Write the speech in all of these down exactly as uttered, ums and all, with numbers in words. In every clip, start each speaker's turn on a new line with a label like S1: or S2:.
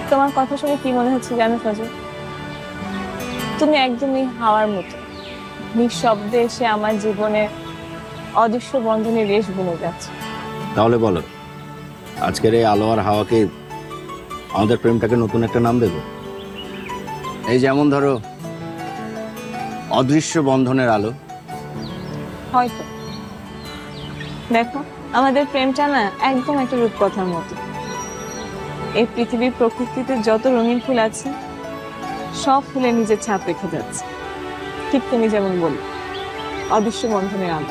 S1: তোমার কথা শুনে কি মনে হচ্ছে জানো ফজল? তুমি একদমই হাওয়ার মতো নিঃশব্দে এসে আমার জীবনে অদৃশ্য বন্ধনের রেশ বুনে যাচ্ছে।
S2: তাহলে বলো, আজকের এই আলো আর হাওয়াকে আমাদের প্রেমটাকে নতুন একটা নাম দেব? এই যেমন ধরো অদৃশ্য বন্ধনের আলো।
S1: হয়তো। দেখো, আমাদের প্রেমটা না একদম একটা রূপকথার মতো। এই পৃথিবীর প্রকৃতিতে যত রঙিন ফুল আছে সব ফুলে নিজের ছাপ রেখে যাচ্ছে, ঠিক তুমি যেমন বলি অদৃশ্য বন্ধনের আলো।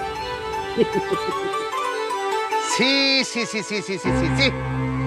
S3: সি সি সি সি সি সি সি সি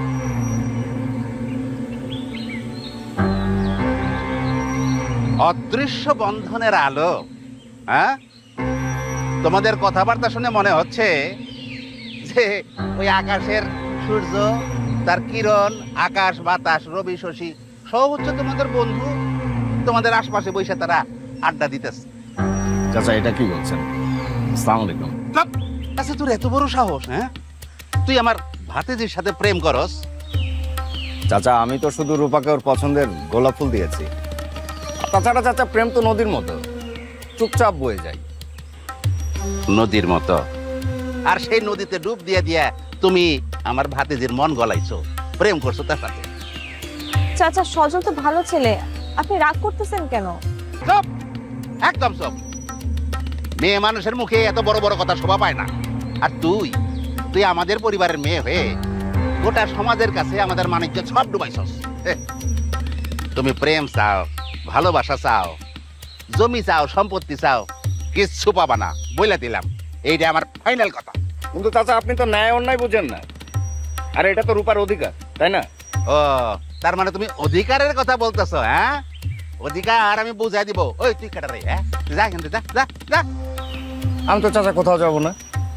S3: অদৃশ্য বন্ধনের আলো। হ্যাঁ, তোমাদের কথাবার্তা শুনে মনে হচ্ছে যে ওই আকাশের সূর্য, তার কিরণ, আকাশ বাতাস রবি শশী সব হচ্ছে তোমাদের বন্ধু, তোমাদের আশপাশে বসে তারা আড্ডা দিতেছে।
S2: চাচা এটা কি বলছেন? আসসালামু আলাইকুম।
S3: আচ্ছা, তোর এত বড় সাহস? হ্যাঁ, তুই আমার ভাতিজির সাথে প্রেম করস?
S2: চাচা আমি তো শুধু রূপাকে ওর পছন্দের গোলাপ ফুল দিয়েছি। তাছাড়া চাচা প্রেম তো নদীর মতো, চুপচাপ বয়ে যায়।
S3: নদীর মতো? আর সেই নদীতে ডুব দিয়ে দিয়া তুমি আমার ভাতিজির মন গলাইছো, প্রেম করছো তার সাথে?
S1: চাচা, সজল তো ভালো ছেলে, আপনি রাগ করতেছেন কেন?
S3: চুপ, একদম চুপ। মেয়ে মানুষের মুখে এত বড় বড় কথা শোভা পায় না। আর তুই তুই আমাদের পরিবারের মেয়ে হয়ে গোটা সমাজের কাছে আমাদের মানিজ্য সব ডুবাইছস। হে, তুমি প্রেম চাও, ভালোবাসা চাও, জমি চাও, সম্পত্তি চাও, কিচ্ছু পাবা না, বইলা দিলাম। এইটা আমার ফাইনাল কথা।
S2: কিন্তু চাচা আপনি তো ন্যায় অন্যায় বুঝেন না। আর এটা তো রূপার অধিকার, তাই না?
S3: ও, তার মানে তুমি অধিকারের কথা বলতেছো? হ্যাঁ, অধিকার আমি বুঝাই দিব। ওই তুই কাটা রে, হ্যাঁ, যা এখান থেকে, যা যা যা।
S2: আমি তো চাচা কোথাও যাব না,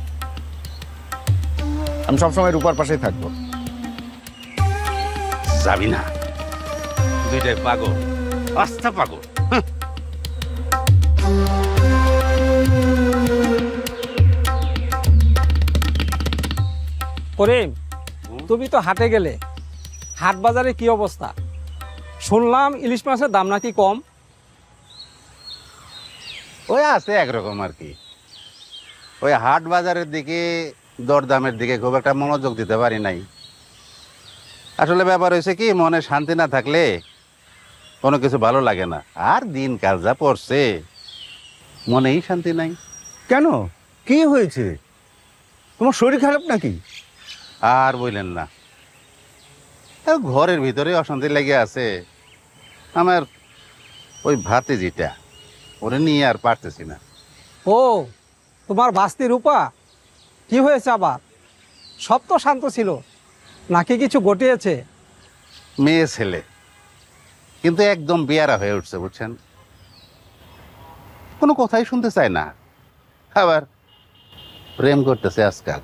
S2: আমি সবসময় রূপার পাশেই থাকবো।
S3: যাবি না? দুইটাই পাগল, আস্থা পাগল। হুঁ।
S4: করিম, তুমি তো হাটে গেলে, হাট বাজারে কি অবস্থা? শুনলাম ইলিশ মাছের দাম নাকি কম।
S3: ওই আছে একরকম আর কি। ওই হাট বাজারের দিকে, দরদামের দিকে খুব একটা মনোযোগ দিতে পারি নাই। আসলে ব্যাপার হয়েছে কি, মনে শান্তি না থাকলে কোনো কিছু ভালো লাগে না। আর দিন কাল যা পড়ছে, মনেই শান্তি নাই।
S2: কেন, কি হয়েছে? তোমার শরীর খারাপ নাকি?
S3: আর বললেন না, আর ঘরের ভিতরে অশান্তি লেগে আছে। আমার ওই ভাতিজিটা, ওরে নিয়ে আর পারতেছি না।
S4: ও, তোমার বাস্তি রূপা, কি হয়েছে আবার? সব তো শান্ত ছিল, নাকি কিছু ঘটিয়েছে?
S3: মেয়ে ছেলে, কিন্তু একদম বেয়ারা হয়ে উঠছে, বুঝছেন? কোনো কথাই শুনতে চায় না। আবার প্রেম করতেছে আজকাল।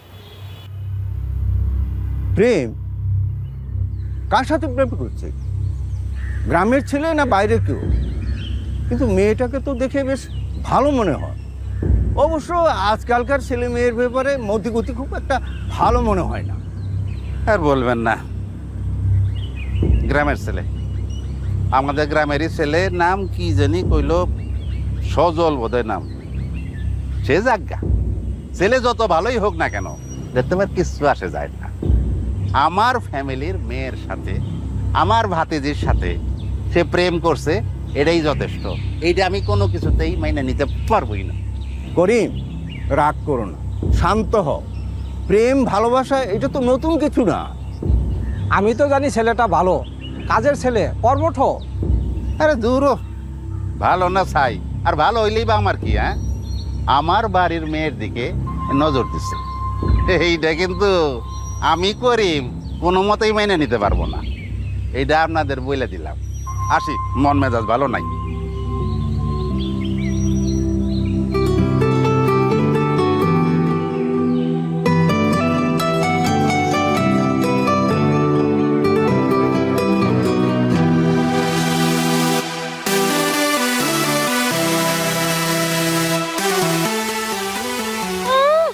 S5: প্রেম? কার সাথে প্রেম করছে? গ্রামের ছেলে না বাইরে কেউ? কিন্তু মেয়েটাকে তো দেখে বেশ ভালো মনে হয়। অবশ্য আজকালকার ছেলে মেয়ের ব্যাপারে মতিগতি খুব একটা ভালো মনে হয় না।
S3: আর বলবেন না, গ্রামের ছেলে, আমাদের গ্রামেরই ছেলে, নাম কি জানি কইল, সজল বোধহয় নাম। সে যাজ্ঞা, ছেলে যত ভালোই হোক না কেন, দেখতে পার কিছু আসে যায় না। আমার ফ্যামিলির মেয়ের সাথে, আমার ভাতিজির সাথে সে প্রেম করছে, এটাই যথেষ্ট। এইটা আমি কোনো কিছুতেই মাইনে নিতে পারবোই না।
S5: করিম, রাগ করো না, শান্ত হও। প্রেম ভালোবাসা এটা তো নতুন কিছু না।
S4: আমি তো জানি ছেলেটা ভালো, কাজের ছেলে, কর্মঠ।
S3: আরে দূর, ভালো না চাই, আর ভালো হইলেই বা আমার কি? হ্যাঁ, আমার বাড়ির মেয়ের দিকে নজর দিচ্ছে, এইটা কিন্তু আমি করিম কোনো মতেই মেনে নিতে পারবো না। এইটা আপনাদের বলে দিলাম। আসি, মন মেজাজ ভালো নাই।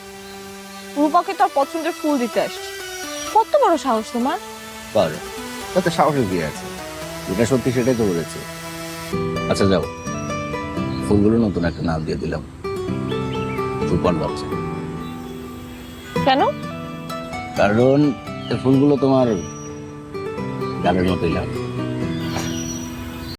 S1: রূপাকে তোর পছন্দের ফুল দিতে আসছি, কত বড় সাহস তোমার!
S2: পারে তাতে সাহসের কি আছে, যেটা সত্যি সেটাই তো বলেছে। আচ্ছা যাও, ফুলগুলো নতুন একটা নাম দিয়ে দিলাম, রূপার লজ্জা।
S1: কেন?
S2: কারণ এই ফুলগুলো তোমার গানের মতোই লাগে।